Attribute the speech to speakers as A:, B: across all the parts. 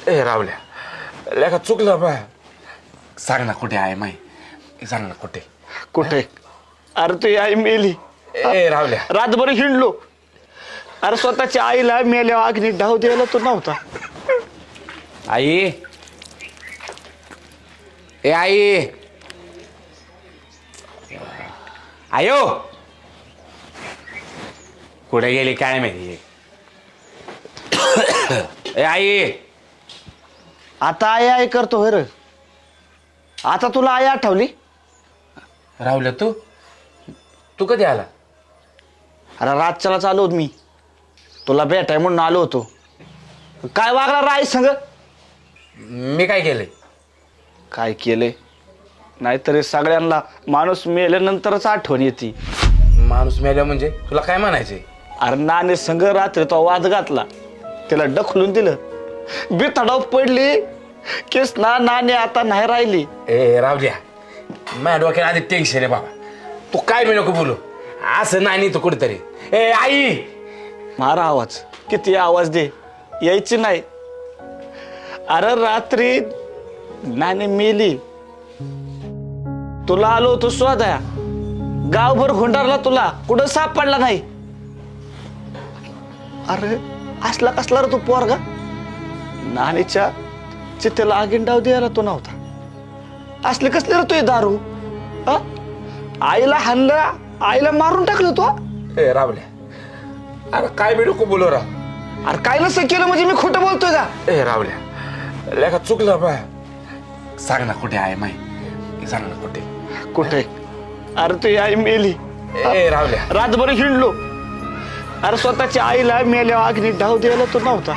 A: ए रावल्या लेखा चुकलं बा. सांग ना कुठे आहे माई, सांग ना कुठे
B: कुठे? अरे तुझी आई मेली.
A: ए रावल्या
B: रातभर हिंडलो. अरे स्वतःच्या आईला मेल्या अग्नी डाव द्यायला तू नव्हता.
A: आई, ए आई, आयो कुठे गेली काय माहिती. ए आई,
B: आता आई आई करतो होय रे. आता तुला आई आठवली?
A: रावल्या तू कधी आला?
B: अरे रातच्याला चालू होत मी, तुला भेटाय म्हणून आलो होतो. काय वागला राय संग?
A: मी काय केलंय?
B: काय केले? नाहीतरी सगळ्यांना माणूस मेल्यानंतरच आठवण येते.
A: माणूस मेल्या म्हणजे तुला काय म्हणायचे?
B: अरे नाणे संग रात्री तो वाद घातला, त्याला ढकलून दिलं, बिथडाव पडली केस ना. नाणे आता नाही राहिली.
A: ए रावल्या, माझ्या डोक्यात आधी टेन्शन आहे बाबा. तू काय मी नको बोलू असं नाही. तू कुठेतरी ए आई
B: मारा आवाज, किती आवाज दे, यायची नाही. अरे रात्री नाणे मेली, तुला आलो होतो शोधाया, गावभर हुंडारला, तुला कुठं सापडला नाही. अरे असला कसला रे तू पोरगा? नाणीच्या चितेला आगीन डाव द्यायला तो नव्हता. असले कसले रे तू दारू? हा? आईला हाणलं, आईला मारून टाकलं तो.
A: ए रावल्या, अरे काय मी नको बोलू राव.
B: अरे काय नसतं केलं म्हणजे मी खोटं बोलतोय का?
A: ए रावल्या लेखा चुकलं बा. सांग ना कुठे आहे माई, सांग ना कुठे
B: कुठे? अरे तुझी आई मेली.
A: ए रावल्या
B: रातभर हिंडलो. अरे स्वतःच्या आईला मेल्या अग्नी डाव द्यायला तो नव्हता.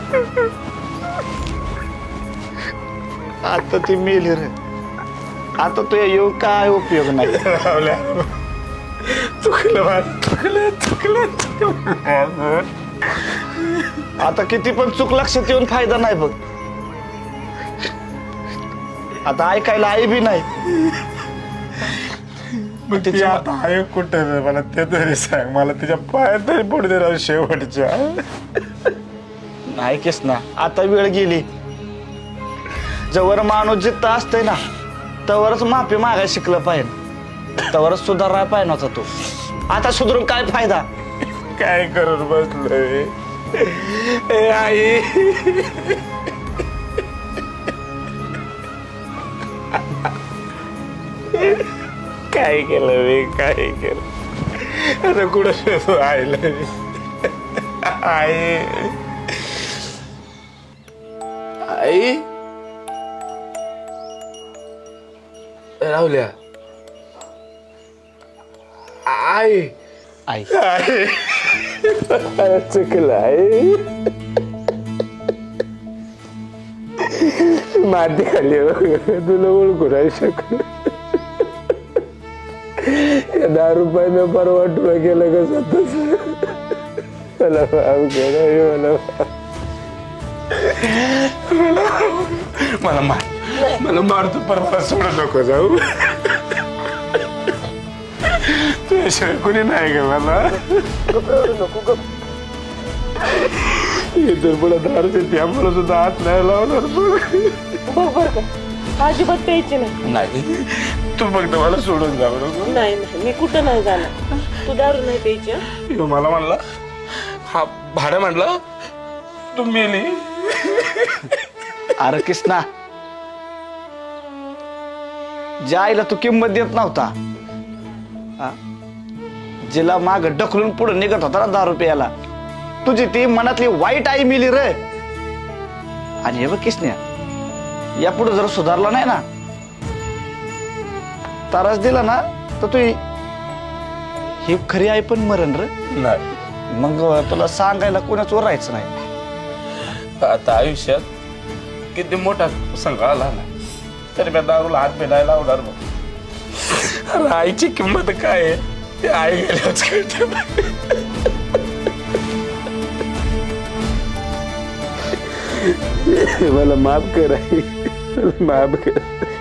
B: आता ती मेली रे. आता तुझ्या येऊन काय उपयोग नाही.
A: रावल्या चुकलं बा, चुकलं.
B: आता किती पण चूक लक्षात येऊन फायदा नाही बघ. आता ऐकायला आई बी नाही.
A: तिच्या आता आहे कुठे मला ते तरी सांग. मला तिच्या पायात तरी पडू दे राव शेवटच्या.
B: नाही केस ना, आता वेळ गेली. जवळ माणूस जिथं असतंय ना तवरच माफी मागायला शिकलं पाहिजे, तवरच सुधारायला पाहिजे नव्हता तो. आता सुधारून काय फायदा?
A: काय करून बसलोय ए आई. काय केलं मी, काय केलं? आता कुठं शोधू आईला मी? आई, आई राहुल्या, आई
B: आई
A: आई चुकलं आई. माती खाली तुला ओळखू नाही शकलो. 10 रुपये परवा तुला केलं का स्वतःच. मला माफ केलं, मला मला मारतो परवा. सोडू नको जाऊ. तुझ्याशिवाय कोणी नाही ग मला. इथून पुढे दारूचे त्यामुळे सुद्धा हात नाही लावणार
C: बरोबर का? अजिबात प्यायची नाही.
A: नाही. तू फक्त मला सोडून जाऊ नको.
C: नाही नाही, मी कुठं नाही जाणार. तू दारू नाही प्यायची हं?
A: मला म्हणला हा भाडं म्हणलं तू मेली.
B: अरे कृष्णा, ज्या आईला तू किंमत देत नव्हता, जिला माग ढकलून पुढे निघत होता ना दारू प्यायला, तुझी ती मनातली वाईट आई मिली रे. आणि हे बघ कृष्णा, या पुढे जर सुधारला नाही ना, त्रास दिला ना, तर तू ही खरी आई पण मरण रे.
A: नाही.
B: मग तुला सांगायला कोणाच राहायचं नाही.
A: आता आयुष्यात किती मोठा संघ आला ना तरी मी दारूला हात मिळायला लावणार मग. अरे आईची किंमत काय आहे ते आई गेल्याच कळते. मला माफ कर आई, माफ कर.